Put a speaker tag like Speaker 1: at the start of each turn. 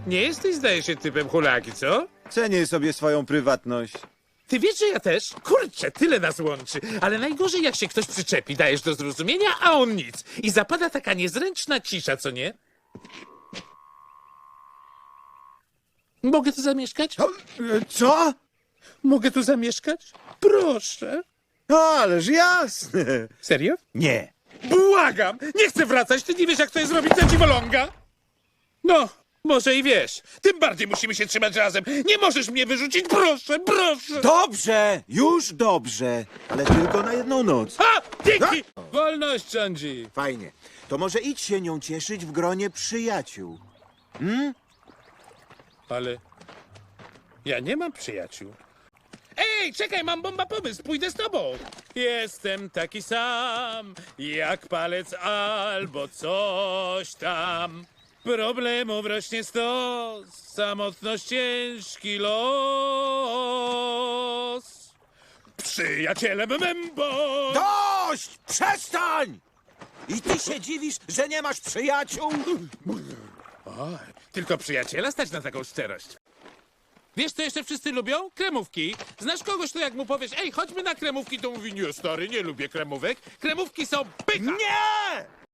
Speaker 1: Nie jesteś, zdaje się, typem hulaki, co?
Speaker 2: Cenię sobie swoją prywatność.
Speaker 1: Ty wiesz, że ja też? Kurczę, tyle nas łączy. Ale najgorzej, jak się ktoś przyczepi, dajesz do zrozumienia, a on nic. I zapada taka niezręczna cisza, co nie? Mogę tu zamieszkać?
Speaker 2: Co?
Speaker 1: Mogę tu zamieszkać? Proszę.
Speaker 2: Ależ jasne.
Speaker 1: Serio?
Speaker 2: Nie.
Speaker 1: Błagam! Nie chcę wracać, ty nie wiesz, jak to jest robić na dziwoląga? No, może i wiesz. Tym bardziej musimy się trzymać razem. Nie możesz mnie wyrzucić, proszę, proszę!
Speaker 2: Dobrze, już dobrze. Ale tylko na jedną noc.
Speaker 1: A! Dzięki! Wolność rządzi.
Speaker 2: Fajnie. To może idź się nią cieszyć w gronie przyjaciół.
Speaker 1: Ale ja nie mam przyjaciół. Ej, czekaj, mam bomba pomysł, pójdę z tobą. Jestem taki sam, jak palec albo coś tam. Problemów rośnie stos, samotność ciężki los. Przyjacielem Membo!
Speaker 2: Dość! Przestań! I ty się dziwisz, że nie masz przyjaciół?
Speaker 1: Oj, tylko przyjaciela stać na taką szczerość. Wiesz, co jeszcze wszyscy lubią? Kremówki. Znasz kogoś, to jak mu powiesz, ej, chodźmy na kremówki, to mówi, nie, stary, nie lubię kremówek. Kremówki są pycha!
Speaker 2: Nie!